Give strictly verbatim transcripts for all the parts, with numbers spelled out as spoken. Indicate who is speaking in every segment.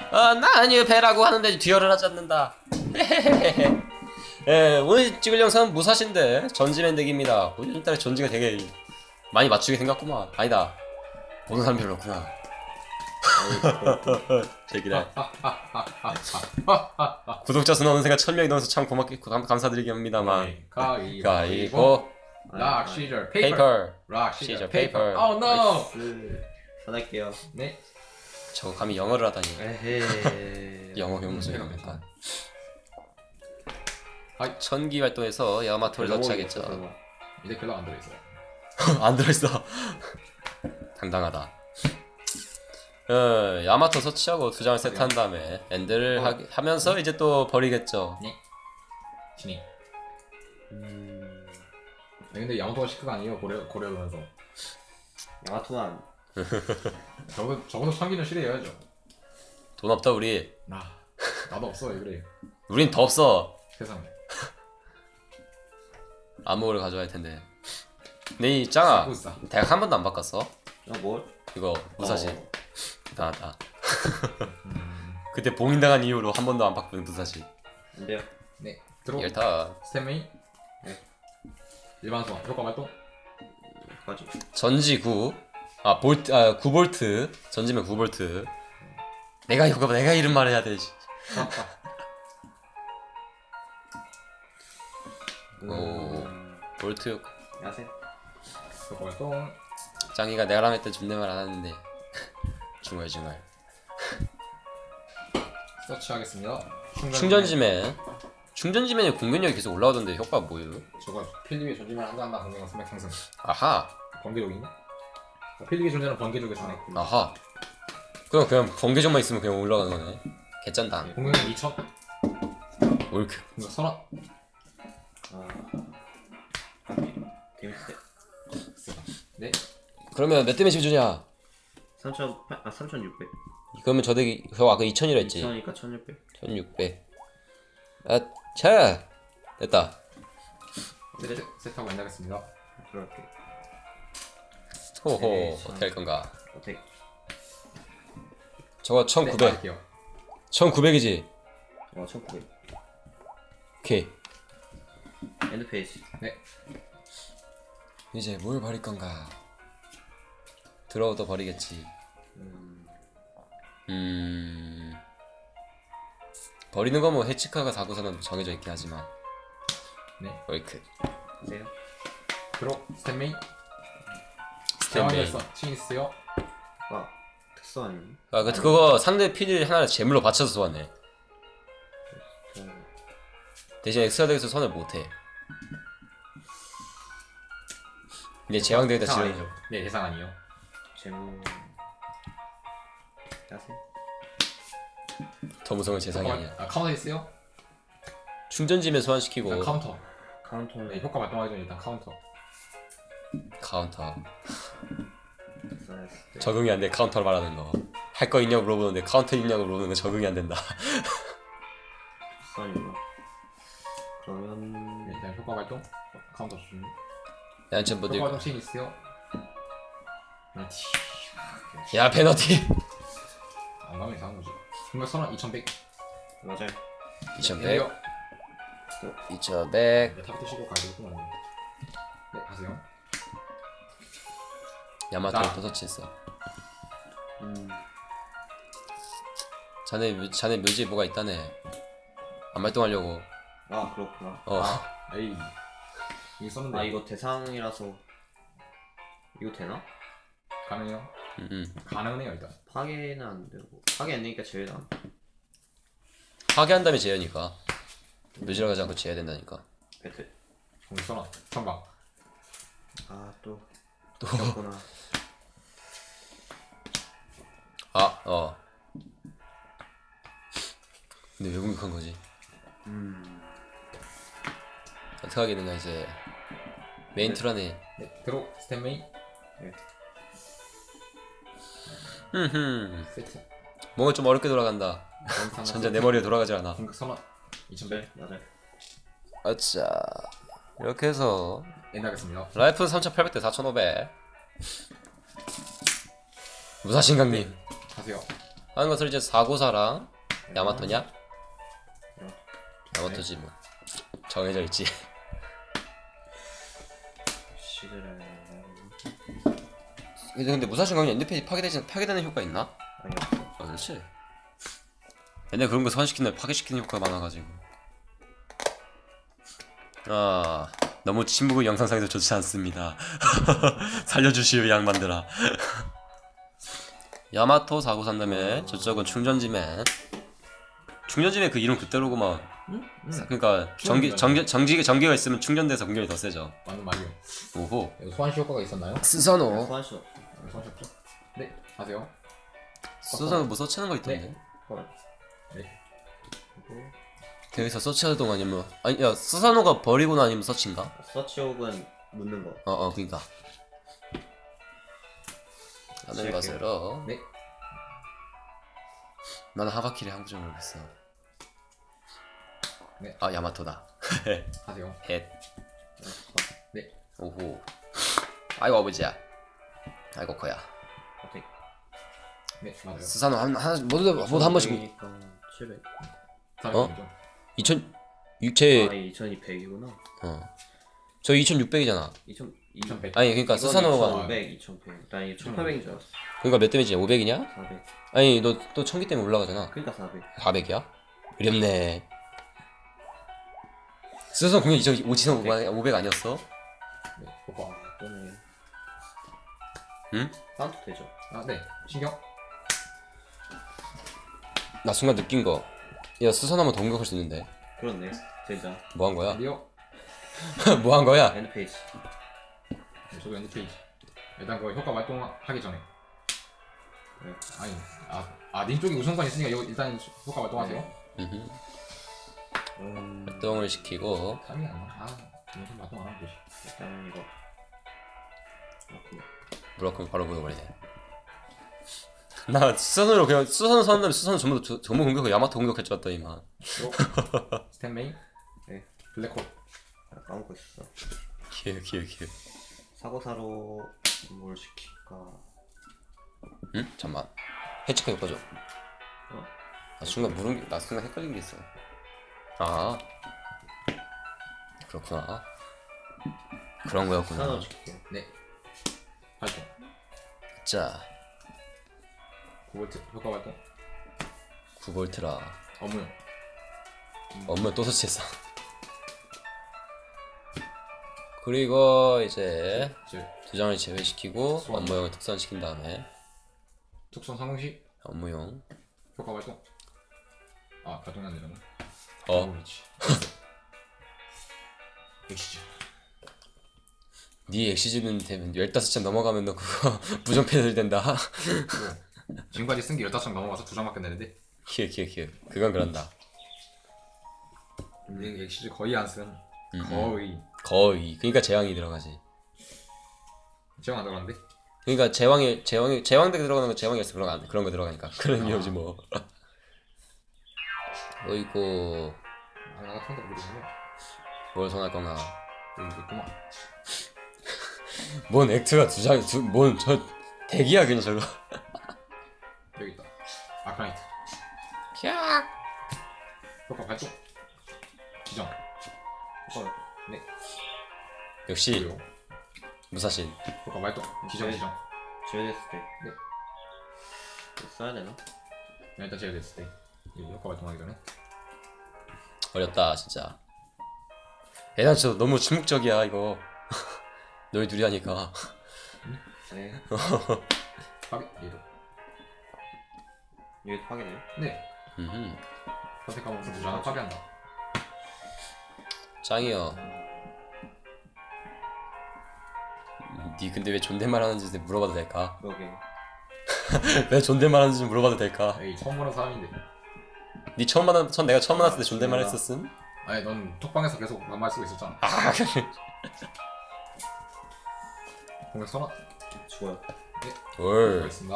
Speaker 1: 아, 나 아니요 배라고 하는데 듀얼을 하지 않는다. 예, 오늘 찍을 영상은 무사시인데 전지맨 덱입니다. 요즘 따라 전지가 되게 많이 맞추게 생겼구만. 아니다, 보는 사람 별로 없구나. 제기다. 구독자 수 어느새가 천 명이 넘어서 참 고맙게 감, 감사드리겠습니다만. 가위바위보.
Speaker 2: 락 시절
Speaker 1: 페이퍼.
Speaker 2: 락 시절 페이퍼.
Speaker 1: 페이퍼.
Speaker 2: 오 노.
Speaker 3: 전할게요.
Speaker 2: 네.
Speaker 1: 저거 감히 영어를 하다니.
Speaker 3: 에헤.
Speaker 1: 영어 교무소에 약간.
Speaker 2: 아이.
Speaker 1: 천기 활동에서 야마토를 터치하겠죠.
Speaker 2: 이제 글락 안 들어있어요.
Speaker 1: 안 들어있어. 당당하다. 어, 야마토 서치하고 두 장을 세트한 다음에 엔드를
Speaker 2: 어.
Speaker 1: 하, 하면서 이제 또 버리겠죠.
Speaker 2: 네. 진이.
Speaker 3: 음...
Speaker 2: 아니, 근데 야마토가 시크가 아니에요. 고려 고려면서.
Speaker 3: 야마토만
Speaker 2: 적어도 적어도 참기는 실해야죠.
Speaker 1: 돈 없다 우리.
Speaker 2: 나 나도 없어. 왜 그래?
Speaker 1: 우린 더 없어.
Speaker 2: 세상에.
Speaker 1: 암호를 가져와야 할 텐데. 네, 이 짱아.
Speaker 2: 싸구싸.
Speaker 1: 대학 한 번도 안 바꿨어?
Speaker 3: 어 뭘?
Speaker 1: 이거 무사시.
Speaker 3: 어.
Speaker 1: 대단하다.
Speaker 2: 음...
Speaker 1: 그때 봉인당한 이후로 한 번도 안 바꾼 무사시.
Speaker 3: 안돼요.
Speaker 2: 네. 들어.
Speaker 1: 열타.
Speaker 2: 스탠메이.
Speaker 3: 네.
Speaker 2: 일반 소환. 효과 발동.
Speaker 3: 가지.
Speaker 1: 전지 구. 아 볼트. 아 구 볼트. 전지면 구 볼트. 내가 이거 내가 이름 말해야 돼. 오. 볼트.
Speaker 3: 야세.
Speaker 2: 효과 발동.
Speaker 1: 짱이가 내가 라면 때 존댓말 안 하는데. 중얼중얼.
Speaker 2: 서치하겠습니다.
Speaker 1: 충전지맨. 충전지맨의 공격력이 계속 올라오던데 효과가 뭐예요?
Speaker 2: 저거 필립의 존재만 한다 한다 공격력 스맥 상승.
Speaker 1: 아하.
Speaker 2: 번개족이네? 필립의 존재는 번개족에 전해.
Speaker 1: 아하. 그럼 그냥 번개점만 있으면 그냥 올라가는 거네. 개짠다.
Speaker 2: 네, 공격력 이천.
Speaker 1: 올크.
Speaker 2: 공격 선언.
Speaker 3: 아. 하기. 데미지.
Speaker 2: 네.
Speaker 1: 그러면 몇 데미지 주냐?
Speaker 3: 삼천 아 삼천육백.
Speaker 1: 그러면 저 덱이 저 아까 이천이라 했지.
Speaker 3: 이천이니까 천육백.
Speaker 1: 천육백. 아, 차. 됐다.
Speaker 2: 네, 세트하고 만나겠습니다.
Speaker 3: 들어갈게.
Speaker 1: 호호.
Speaker 3: 네,
Speaker 1: 어떻게 할 건가?
Speaker 3: 어택.
Speaker 1: 저거
Speaker 2: 네,
Speaker 1: 천구백.
Speaker 2: 할게요.
Speaker 1: 천구백이지.
Speaker 3: 어 천구백.
Speaker 1: 오케이.
Speaker 3: 엔드 페이지.
Speaker 2: 네.
Speaker 1: 이제 뭘 버릴 건가? 들어오도 버리겠지.
Speaker 3: 음.
Speaker 1: 음. 버리는 거 뭐 해치카가 사고서는 정해져 있긴 하지만.
Speaker 2: 네.
Speaker 1: 월크.
Speaker 3: 세요.
Speaker 2: 들어. 스탠메이.
Speaker 1: 스탠메이.
Speaker 2: 치니스요.
Speaker 3: 아 특수 아니니?
Speaker 1: 아, 그 그거 상대 피를 하나 제물로 받쳐서 쏘았네.
Speaker 3: 어.
Speaker 1: 대신 엑스트라 덱에서 선을 못해. 근데 제왕덱에다
Speaker 2: 대상
Speaker 1: 지금
Speaker 2: 아니죠. 네, 대상 아니요.
Speaker 3: 재무. 야세.
Speaker 1: 더 무서운 세상이 아니야.
Speaker 2: 아, 카운터 있어요?
Speaker 1: 충전지면 소환시키고
Speaker 2: 일단 카운터.
Speaker 3: 카운터는
Speaker 2: 네, 효과 발동하기 전에 일단 카운터.
Speaker 1: 카운터.
Speaker 3: 엑스라이스.
Speaker 1: 적응이 안 돼. 카운터를 말하는 거. 할 거 있냐고 물어보는데 카운터 있냐고 물어보는 거 적응이 안 된다.
Speaker 3: 특수 아니구나. 그러면
Speaker 2: 네, 일단 효과 발동. 어, 카운터 중.
Speaker 1: 양천
Speaker 2: 효과
Speaker 1: 모델.
Speaker 2: 발동 치니스요. 그렇지.
Speaker 1: 야, 페너티.
Speaker 2: 안 가면 이상한 거지. 공격 선언 이천백.
Speaker 3: 맞아요.
Speaker 1: 이천백. 이천백.
Speaker 2: 네, 탑 뜨시고 가야겠구나. 네, 하세요.
Speaker 1: 야마토를
Speaker 2: 나.
Speaker 1: 또 터치했어.
Speaker 3: 음.
Speaker 1: 자네 묘- 자네 묘지에 뭐가 있다네. 안 발동하려고.
Speaker 3: 아 그렇구나.
Speaker 1: 어.
Speaker 2: 에이. 이거 썼는데.
Speaker 3: 아 이거 대상이라서 이거 되나?
Speaker 2: 가능해요?
Speaker 1: 음, 음.
Speaker 2: 가능은 해요, 일단.
Speaker 3: 파괴는 안 되고 파괴 안 되니까 제외다.
Speaker 1: 파괴한 다음에 제어니까. 묘지로 가지 않고 제어야 된다니까.
Speaker 3: 배틀.
Speaker 2: 공격 선언. 선방.
Speaker 3: 아또
Speaker 1: 또.
Speaker 3: 그렇구나.
Speaker 1: 아, 어. 근데 왜 공격한 거지?
Speaker 3: 음.
Speaker 1: 어떻게 하겠는가 이제. 메인 트라네.
Speaker 2: 네, 들어. 스탠메이.
Speaker 1: 흠흠.
Speaker 2: 세트.
Speaker 1: 뭔가 좀 어렵게 돌아간다. 전자 내 머리에 돌아가지 않아.
Speaker 2: 공격 선언. 이천백.
Speaker 3: 네 맞아요.
Speaker 1: 아차. 이렇게 해서
Speaker 2: 엔드하겠습니다.
Speaker 1: 라이프는 삼천팔백 대 사천오백. 무사신강님.
Speaker 2: 하세요.
Speaker 1: 하는 것을 이제 사고사랑 야마토냐?
Speaker 3: 네.
Speaker 1: 야마토지 뭐 정해져 있지.
Speaker 3: 시드를
Speaker 1: 근데, 근데 무사신 가면 엔드페이지 파괴되지 파괴되는 효과 있나?
Speaker 3: 아니 없어.
Speaker 1: 아 그렇지. 옛날 그런 거 소환시키는 파괴시키는 효과가 많아가지고. 아 너무 침묵은 영상상에서 좋지 않습니다. 살려주시오 양반들아. 야마토 사고 산 다음에 저쪽은 충전지맨. 충전지맨 그 이름 그대로구만.
Speaker 2: 응? 응.
Speaker 1: 그러니까 전기 전기 전기 전기가 있으면 충전돼서 공격이 더 세죠.
Speaker 2: 완전 말이요.
Speaker 1: 오호.
Speaker 2: 이거 소환시 효과가 있었나요?
Speaker 1: 스사노.
Speaker 3: 소환시 없어.
Speaker 2: 아, 소환시 없죠? 네. 하세요.
Speaker 1: 스사노 뭐 서치하는 거 있던데.
Speaker 2: 네.
Speaker 3: 헐.
Speaker 2: 네.
Speaker 3: 그리고
Speaker 1: 거기서 서치하는 동안 아니면 아니 야 스사노가 버리거나 아니면 서치인가?
Speaker 3: 서치 혹은 묻는 거.
Speaker 1: 어어 그니까. 하는 것으로.
Speaker 2: 네.
Speaker 1: 나는 하바키를 한국 줄 모르겠어.
Speaker 2: 네.
Speaker 1: 아 야마토다.
Speaker 2: 하세요.
Speaker 1: 헷.
Speaker 2: 네.
Speaker 1: 오호. 아이고 아버지야. 아이고 커야.
Speaker 3: 어떻게?
Speaker 2: 네, 맞아요.
Speaker 1: 스사노 한 하나 모두 다 모두 한 번씩.
Speaker 3: 칠백.
Speaker 1: 어? 이천 육체.
Speaker 3: 아 이천이백이구나.
Speaker 1: 어. 저 이천육백이잖아.
Speaker 3: 이천
Speaker 2: 이천백.
Speaker 1: 아니 그러니까 스사노가
Speaker 3: 이천오백, 이천백. 나 이거 천팔백인 줄 알았어.
Speaker 1: 그러니까 몇 데미지야? 오백이냐?
Speaker 3: 사백.
Speaker 1: 아니 너 또 청기 때문에 올라가잖아.
Speaker 3: 그러니까 사백.
Speaker 1: 사백이야? 어렵네. 스사노 공격 이천오백 아니었어?
Speaker 2: 네. 효과.
Speaker 3: 또네.
Speaker 1: 응?
Speaker 3: 카운트 되죠?
Speaker 2: 아, 네. 신경.
Speaker 1: 나 순간 느낀 거. 야 스사노만 더 공격할 수 있는데.
Speaker 3: 그렇네. 진짜.
Speaker 1: 뭐 한 거야?
Speaker 2: 리오.
Speaker 1: 뭐 한 거야?
Speaker 3: 엔드 페이지.
Speaker 2: 네, 저도 엔드 페이지. 일단 그 효과 발동하기 전에.
Speaker 3: 네.
Speaker 2: 아니, 아, 아, 님 쪽이 우선권 있으니까 이거 일단 효과 발동하세요.
Speaker 1: 음흠.
Speaker 3: 음.
Speaker 1: 활동을 시키고.
Speaker 2: 삼이 안 나. 아, 우선 발동 안 하면 되지.
Speaker 3: 일단 이거. 그렇구나.
Speaker 1: 무라카미 바로 보여버리네. 나 수선으로 그냥 수선 선 다음에 수선 전부 저- 전부 공격하고 야마토 공격할 줄 알았더니만.
Speaker 2: 로. 스탠 메인.
Speaker 3: 네.
Speaker 2: 블랙홀.
Speaker 3: 아, 까먹고 있었어.
Speaker 1: 기회 기회 기회.
Speaker 3: 사고사로 뭘 시킬까?
Speaker 1: 응? 잠만. 해치카 효과죠.
Speaker 3: 어?
Speaker 1: 나 순간 물은 게, 나 순간 헷갈린 게 있어. 아 그렇구나. 그런 거였구나.
Speaker 3: 사로 시킬게요.
Speaker 2: 네. 발동.
Speaker 1: 자
Speaker 2: 구 볼트 효과 발동.
Speaker 1: 구 볼트라.
Speaker 2: 업무용.
Speaker 1: 업무 또 설치했어. 그리고 이제
Speaker 2: 질.
Speaker 1: 두 장을 제외시키고
Speaker 2: 소환.
Speaker 1: 업무용을 특선시킨 다음에
Speaker 2: 특성 성공 시
Speaker 1: 업무용.
Speaker 2: 효과 발동. 아, 발동이 안 되잖아.
Speaker 1: 어
Speaker 2: 그렇지. 엑시즈.
Speaker 1: 네 엑시즈는 되면 열다섯 장 넘어가면 너 그거 부정패들 된다.
Speaker 2: 지금까지 쓴 게 열다섯 장 넘어가서 두 장밖에 안 되는데.
Speaker 1: 키읔 키읔 키읔. 그건 그런다.
Speaker 2: 음. 엑시즈 거의 안 쓴.
Speaker 1: 음,
Speaker 2: 거의.
Speaker 1: 거의. 그러니까 제왕이 들어가지.
Speaker 2: 제가 안 들어갔는데.
Speaker 1: 그러니까 제왕이 제왕이 제왕덱 들어가는 거 제왕이었어. 그런 거 안- 그런 거 들어가니까. 그런 이유지 뭐. 어이구
Speaker 2: 아, 나 같은 거 모르겠네.
Speaker 1: 뭘 선할 건가.
Speaker 2: 여기 있구만.
Speaker 1: 뭔 액트가 두 장, 두, 뭔 저 대기야 그냥 저거.
Speaker 2: 여기 있다. 아크나이트.
Speaker 1: 캬.
Speaker 2: 효과 발동. 기정.
Speaker 3: 효과.
Speaker 2: 네.
Speaker 1: 역시
Speaker 2: 그리고
Speaker 1: 무사신.
Speaker 2: 효과 발동. 기정
Speaker 3: 네.
Speaker 2: 기정.
Speaker 3: 제외됐을 때.
Speaker 2: 네.
Speaker 3: 이거 써야 되나?
Speaker 2: 네, 일단 제외됐을 때. 이 효과 발동하기 전에.
Speaker 1: 어렵다 진짜. 애단 저 너무 침묵적이야 이거. 너희 둘이 하니까.
Speaker 3: 네.
Speaker 2: 파괴. 얘도.
Speaker 3: 이게 파괴돼요?
Speaker 2: 네.
Speaker 1: 음흠.
Speaker 2: 선택하면 두 장을 파괴한다.
Speaker 1: 짱이요. 니 근데 왜 존댓말 하는지 물어봐도 될까?
Speaker 3: 그러게.
Speaker 1: 왜 존댓말 하는지 좀 물어봐도 될까?
Speaker 2: 에이, 처음 보는 사람인데.
Speaker 1: 니 처음 만난 전 내가 처음 만났을 때 존댓말
Speaker 3: 존댓말.
Speaker 1: 했었음?
Speaker 2: 아니, 넌 톡방에서 계속 반말 쓰고 있었잖아.
Speaker 1: 아
Speaker 2: 공격 선언.
Speaker 3: 죽어요.
Speaker 1: 돌.
Speaker 2: 알겠습니다.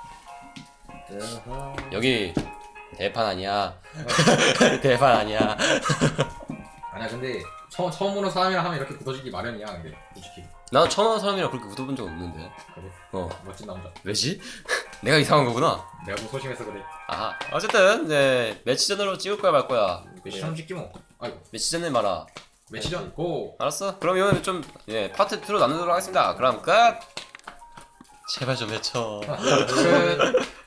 Speaker 3: 으하.
Speaker 1: 여기 대판 아니야. 대판 아니야.
Speaker 2: 아니야, 근데 처, 처음 보는 사람이랑 하면 이렇게 굳어지기 마련이야, 근데 솔직히.
Speaker 1: 나는 처음 하는 사람이랑 그렇게 웃어본 적 없는데.
Speaker 2: 그래.
Speaker 1: 어
Speaker 2: 멋진 남자.
Speaker 1: 왜지? 내가 이상한 거구나.
Speaker 2: 내가 뭐 소심해서 그래.
Speaker 1: 아 어쨌든 네 매치전으로 찍을 거야 말 거야.
Speaker 2: 매치전 찍지 뭐. 아이고.
Speaker 1: 매치전을 말아.
Speaker 2: 매치전 고.
Speaker 1: 알았어? 그럼 이거는 좀 예, 파트 이로 나누도록 하겠습니다. 그럼 끝. 제발 좀 외쳐.
Speaker 2: 끝.